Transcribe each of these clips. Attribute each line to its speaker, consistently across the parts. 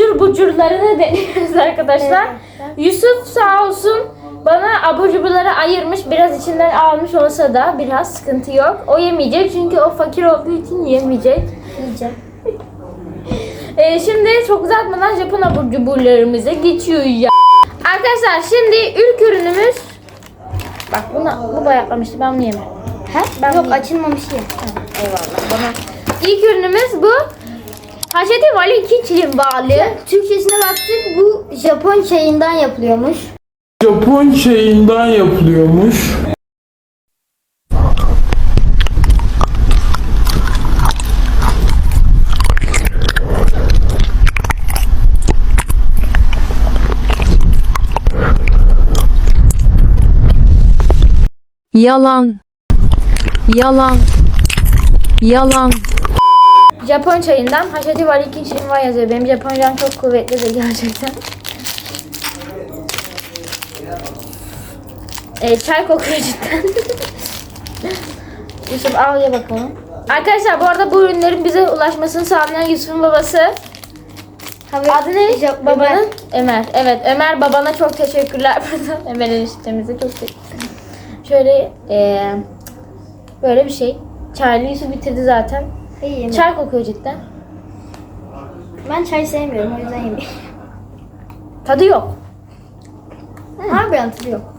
Speaker 1: abur cuburlarını deniyoruz arkadaşlar.
Speaker 2: Evet.
Speaker 1: Yusuf sağ olsun bana abur cuburları ayırmış. Biraz içinden almış olsa da biraz sıkıntı yok. O yemeyecek çünkü o fakir olduğu için yemeyecek.
Speaker 2: Yiyeceğim.
Speaker 1: Şimdi çok uzatmadan Japon abur cuburlarımıza geçiyoruz ya. Arkadaşlar şimdi ilk ürünümüz. Bak bu bayatlamıştı, ben bunu yemem.
Speaker 2: Ha?
Speaker 1: Ben
Speaker 2: Yok
Speaker 1: bunu-
Speaker 2: açılmamış ya.
Speaker 1: Eyvallah bana. İlk ürünümüz bu. Haşeti Vali Kiçli balı.
Speaker 2: Türkçesine baktık, bu Japon çayından yapılıyormuş.
Speaker 3: Japon çayından yapılıyormuş.
Speaker 4: Yalan. Yalan. Yalan.
Speaker 1: Japon çayından Haşeti Vali Kiçli var yazıyor. Benim Japoncam çok kuvvetli de gerçekten. Çay kokuyor cidden. Yusuf al ye bakalım. Arkadaşlar bu arada bu ürünlerin bize ulaşmasını sağlayan Yusuf'un babası. Adı ne? Babanın? Ömer. Evet, Ömer babana çok teşekkürler. Ömer eniştemize çok teşekkürler. Şöyle böyle bir şey. Çaylı Yusuf bitirdi zaten.
Speaker 2: İyi.
Speaker 1: Çay kokuyor cidden.
Speaker 2: Ben çay sevmiyorum, o yüzden yemiyorum.
Speaker 1: Tadı yok.
Speaker 2: Harbiden tadı yok.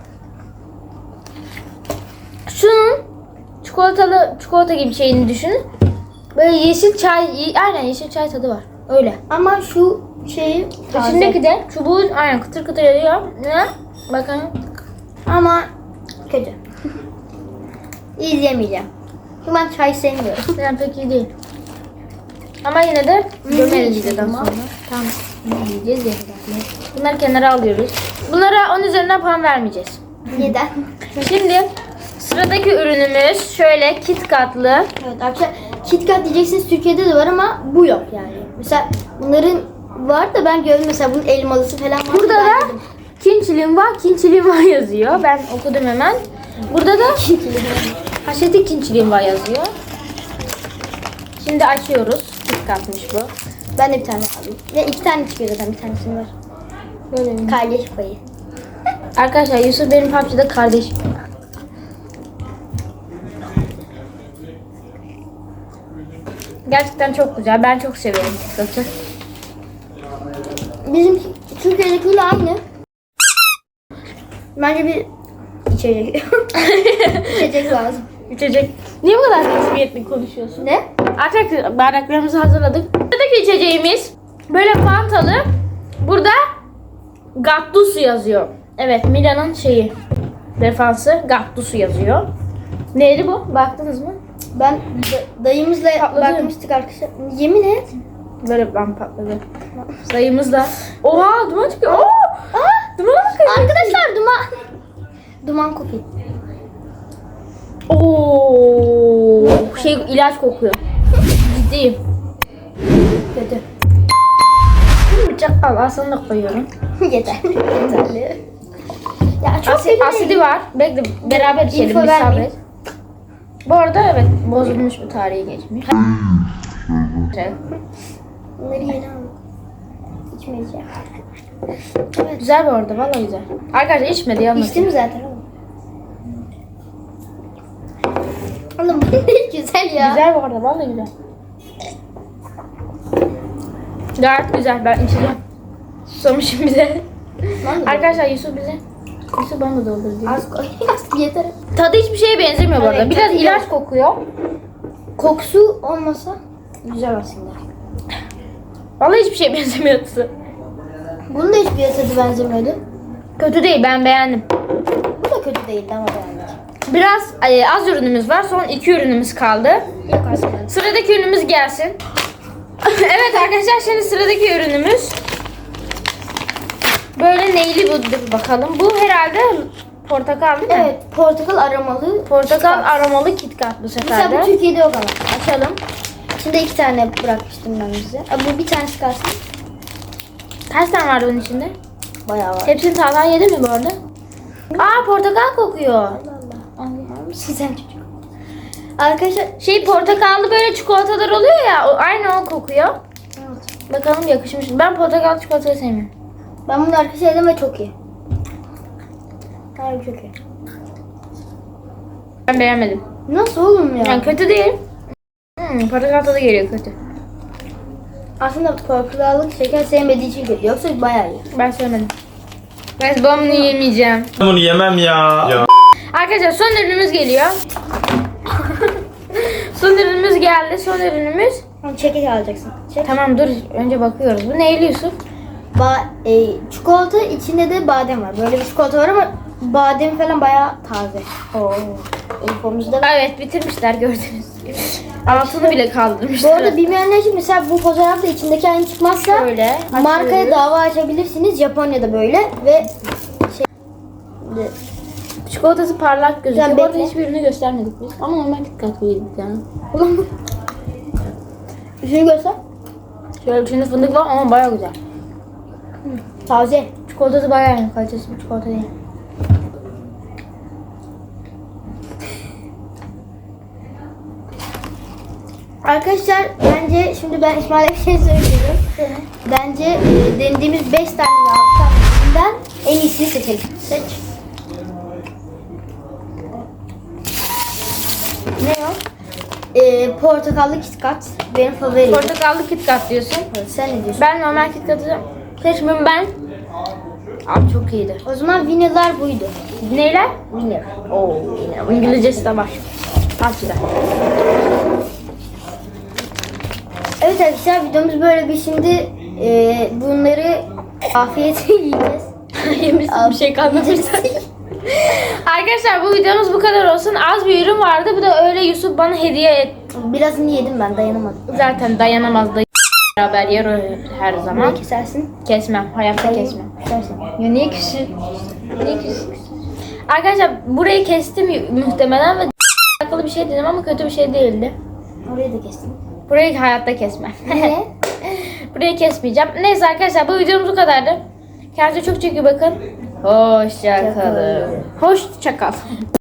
Speaker 1: Şunun çikolata gibi şeyini düşünün. Böyle yeşil çay, aynen yeşil çay tadı var. Öyle.
Speaker 2: Ama şu şeyi taze.
Speaker 1: İçindeki de çubuğun aynen kıtır kıtır ediyor. Ne? Bakın.
Speaker 2: Ama kötü. İzleyemeyeceğim. Çünkü ben çay sevmiyorum.
Speaker 1: Yani pek iyi değil. Ama yine de gömeriz
Speaker 2: yiyeceğiz
Speaker 1: videodan
Speaker 2: ama.
Speaker 1: sonra. Tamam. Yiyeceğiz ya. Bunları kenara alıyoruz. Bunlara 10 üzerinden puan vermeyeceğiz.
Speaker 2: Neden?
Speaker 1: Şimdi sıradaki ürünümüz şöyle KitKat'lı.
Speaker 2: Evet arkadaşlar, KitKat diyeceksiniz, Türkiye'de de var ama bu yok yani. Mesela bunların var da ben gördüm, mesela bunun elmalısı falan var.
Speaker 1: Burada
Speaker 2: Ben
Speaker 1: da
Speaker 2: yedim.
Speaker 1: Kinçilim var yazıyor. Ben okudum hemen. Burada da Haşeti Kinçilim var yazıyor. Şimdi açıyoruz. KitKat'mış bu.
Speaker 2: Ben de bir tane alayım. Ve iki tane çıkıyor zaten, bir tanesini var.
Speaker 1: Böyle mi?
Speaker 2: Kardeş payı.
Speaker 1: Arkadaşlar Yusuf benim PUBG'de kardeşim. Gerçekten çok güzel. Ben çok severim KitKat'ı.
Speaker 2: Bizim Türkiye'dekiyle aynı. Bence bir içecek. İçecek lazım.
Speaker 1: İçecek. Niye bu kadar resmiyetli konuşuyorsun?
Speaker 2: Ne?
Speaker 1: Artık bardaklarımızı hazırladık. Buradaki içeceğimiz böyle fantalı. Burada Gattuso yazıyor. Evet, Milan'ın şeyi. Defansı Gattuso yazıyor. Neydi bu? Baktınız mı?
Speaker 2: Ben dayımızla
Speaker 1: Patladı.
Speaker 2: bakmıştık arkadaşlar. Yemin et.
Speaker 1: Böyle ben patladı. Sayımızda. Oha duman çıkıyor. Duman çıkıyor.
Speaker 2: Arkadaşlar duman. Duman kokuyor.
Speaker 1: Oo, şey ilaç kokuyor. Ciddiyim.
Speaker 2: Kötü.
Speaker 1: Bir bıçak al, aslında da koyuyorum.
Speaker 2: Yeter. Yeterli. Ya çok kötü
Speaker 1: Asidi
Speaker 2: değil.
Speaker 1: var. Bekle beraber içelim.
Speaker 2: İnfo
Speaker 1: Bir
Speaker 2: vermeyin.
Speaker 1: sabret. Bu arada evet bozulmuş bir tarihi geçmiş.
Speaker 2: Bunları yeni aldım. İçmeyeceğim. Evet.
Speaker 1: Güzel bu arada, vallahi güzel. Arkadaşlar içmedi yalnız.
Speaker 2: İçtim zaten oğlum. Oğlum bu ne güzel ya.
Speaker 1: Güzel bu arada, vallahi güzel. Gayet güzel, ben içeceğim. Susamışım bize.
Speaker 2: Vallahi.
Speaker 1: Arkadaşlar Yusuf bana da doldur diyor.
Speaker 2: Az koy. Az yeter.
Speaker 1: Tadı hiçbir şeye benzemiyor bu arada.
Speaker 2: Evet,
Speaker 1: Biraz
Speaker 2: tadı
Speaker 1: ilaç
Speaker 2: yok.
Speaker 1: kokuyor.
Speaker 2: Kokusu olmasa güzel aslında.
Speaker 1: Vallahi hiçbir şeye benzemiyor tadı.
Speaker 2: Bunun da hiçbir tadı benzemiyordu.
Speaker 1: Kötü değil, ben beğendim.
Speaker 2: Bu da kötü değildi ama beğendik.
Speaker 1: Biraz az ürünümüz var. Son 2 ürünümüz kaldı.
Speaker 2: Yok aslında.
Speaker 1: Sıradaki ürünümüz gelsin. Evet arkadaşlar, şimdi sıradaki ürünümüz böyle neyli bu bakalım. Bu herhalde portakal değil mi?
Speaker 2: Evet, portakal aromalı.
Speaker 1: Portakal
Speaker 2: KitKat.
Speaker 1: aromalı KitKat bu sefer
Speaker 2: Mesela
Speaker 1: de.
Speaker 2: bu Türkiye'de yok ama. Açalım. İçinde 2 tane bırakmıştım ben size. Bu bir tanesi kalsın.
Speaker 1: Kaç tane vardı bunun içinde?
Speaker 2: Bayağı var.
Speaker 1: Hepsini Talha yedi mi bu arada? Aa, portakal kokuyor.
Speaker 2: Allah. Allah'ım sizden çocuk. Arkadaşlar
Speaker 1: Portakallı böyle çikolatalar oluyor ya, aynı o kokuyor.
Speaker 2: evet.
Speaker 1: Bakalım yakışmış mı? Ben portakal çikolatayı sevmiyorum.
Speaker 2: Ben bunu arkadaşlar yedim ve çok iyi. Harbi çok iyi.
Speaker 1: Ben beğenmedim.
Speaker 2: Nasıl oğlum ya?
Speaker 1: Yani kötü değil. Portakal tadı geliyor kötü.
Speaker 2: Aslında portakallık şeker sevmediği için kötü. Yoksa bayağı iyi.
Speaker 1: Ben sevmedim. Ben bunu yemeyeceğim.
Speaker 3: Bunu yemem ya.
Speaker 1: Arkadaşlar son ürünümüz geliyor. Son ürünümüz geldi. Son ürünümüz.
Speaker 2: Çekik alacaksın. Çek.
Speaker 1: Tamam dur önce bakıyoruz. Bu neyli Yusuf?
Speaker 2: Çikolata içinde de badem var. Böyle bir çikolata var ama badem falan bayağı taze. Oo. Infomuzda.
Speaker 1: Evet bitirmişler gördünüz gibi. Altını bile
Speaker 2: Bu
Speaker 1: kaldırmışlar.
Speaker 2: arada bilmeyenler için mesela bu fotoğrafta içindeki aynı çıkmazsa
Speaker 1: Şöyle
Speaker 2: markaya
Speaker 1: açıyoruz.
Speaker 2: dava açabilirsiniz. Japonya'da böyle ve
Speaker 1: Çikolatası parlak gözüküyor.
Speaker 2: Sen
Speaker 1: Bu arada
Speaker 2: bekle.
Speaker 1: hiçbirini göstermedik biz. Ama normal KitKat yedik yani.
Speaker 2: şunu göster.
Speaker 1: Şöyle içinde fındık var ama baya güzel.
Speaker 2: Taze.
Speaker 1: Çikolatası bayağı iyi. Kalitesi bir çikolata değil.
Speaker 2: Arkadaşlar bence şimdi ben İsmail'e bir şey söylüyorum. Bence denediğimiz 5 tane tanesinden en iyisini seçelim. Seç. Ne o? Portakallı KitKat. Benim favorim.
Speaker 1: Portakallı KitKat diyorsun.
Speaker 2: Sen ne diyorsun?
Speaker 1: Ben normal KitKat'ı seçmiyorum ben. Abi çok iyiydi.
Speaker 2: O zaman viniler buydu.
Speaker 1: Neyler?
Speaker 2: Vinil.
Speaker 1: Oo yine İngilizcesi de var. Al güzel.
Speaker 2: Evet arkadaşlar videomuz böyle bir şimdi bunları afiyetle yiyeceğiz.
Speaker 1: Yemişsin bir şey kalmamış zaten. Arkadaşlar bu videomuz bu kadar olsun. Az bir ürün vardı. Bu da öyle Yusuf bana hediye et.
Speaker 2: Birazını yedim ben dayanamadım.
Speaker 1: Zaten dayanamaz da beraber yer o her zaman.
Speaker 2: Ne kesersin?
Speaker 1: Kesmem. Hayatta kesmem.
Speaker 2: Kesersin.
Speaker 1: Ya niye küsün? Niye küsün? Arkadaşlar burayı kestim muhtemelen ve alakalı bir şey dedim ama kötü bir şey değildi.
Speaker 2: Orayı da kestim.
Speaker 1: Burayı hayatta kesmem.
Speaker 2: Niye?
Speaker 1: Burayı kesmeyeceğim. Neyse arkadaşlar bu videomuz bu kadardı. Kendinize çok çok iyi bakın. Hoşça kalın. Hoşça kal.